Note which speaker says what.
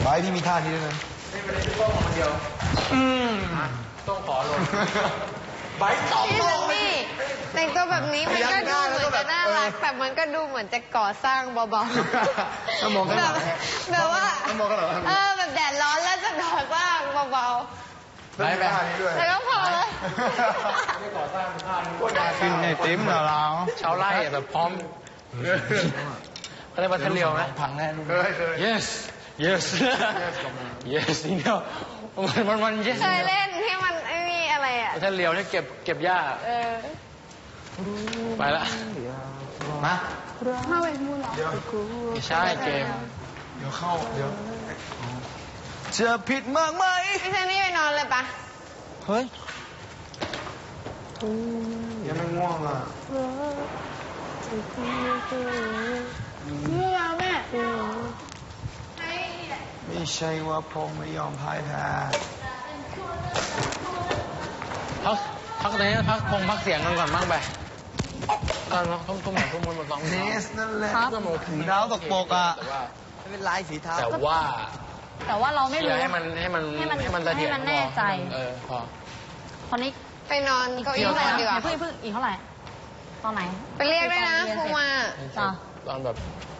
Speaker 1: ไบร์ทพี่มีท่านี้ด้วยนะ
Speaker 2: ไม่เป็นไรพี่ป้องคนเดียวต้องขอลงไบร์ทสอง
Speaker 3: พี่ซันนี่แต่งตัวแบบนี้มันก็ดูเหมือนจะน่ารักแต่มันก็ดูเหมือนจะก่อสร้างเบาๆ
Speaker 1: ต้องมองข้างหลัง
Speaker 3: แบบว่า
Speaker 1: ต้องมองข้างหลัง
Speaker 3: แบบแดดร้อนแล้วจะก่อสร้างเบาๆ
Speaker 1: ไปท่านี้ด้วย
Speaker 3: แล้วก็พอเลย
Speaker 2: ไม่ก่อสร้างท่านี้
Speaker 1: กินไอติมเหรอเรา
Speaker 2: ชาวไร่แบบพร้อมอะไรมาทะเลียวไหม
Speaker 1: พังแน่ลูก
Speaker 2: yes yes yes นี่เดียวมัน yes
Speaker 3: เคยเล่นที่มันไอ้นี่อะไรอ่ะ
Speaker 2: ทะเลียวนี่เก็บหญ้าไปละมา
Speaker 3: เข้าไปพูดหรอ
Speaker 2: ไม่ใช่เกม
Speaker 1: เดี๋ยวเข้าเดี๋ยวจะผิดมากไหม
Speaker 3: พี่ซันนี่ไปนอนเลยปะ
Speaker 1: เฮ้ยยังไม่ง่วงอ่ะ
Speaker 3: ง่วงแม่
Speaker 1: ไม่ใช่ว่าผมไม่ยอมพ่ายแพ้
Speaker 2: พักไหนพักเสียงกันก่อนบ้างไปตอนทุ่มทุ่มมันสอง
Speaker 1: เนสนั่นแหละ
Speaker 2: สี
Speaker 1: ดาวตกปกอ่ะไม่เป็นไรสีเทา
Speaker 2: แต่ว่า
Speaker 4: เราไม่รู้
Speaker 2: ให้มันเสถียร
Speaker 4: ให้มันแน่ใจ
Speaker 2: พอ
Speaker 4: ตอนนี้
Speaker 3: ไปนอนเก้าอี้
Speaker 4: เท่าไหร่
Speaker 3: ดีกว่า
Speaker 4: เพิ่งอีกเท่าไหร่ตอนไหน
Speaker 3: ไปเรียกด้วยนะครูมา
Speaker 2: ตอนแบบ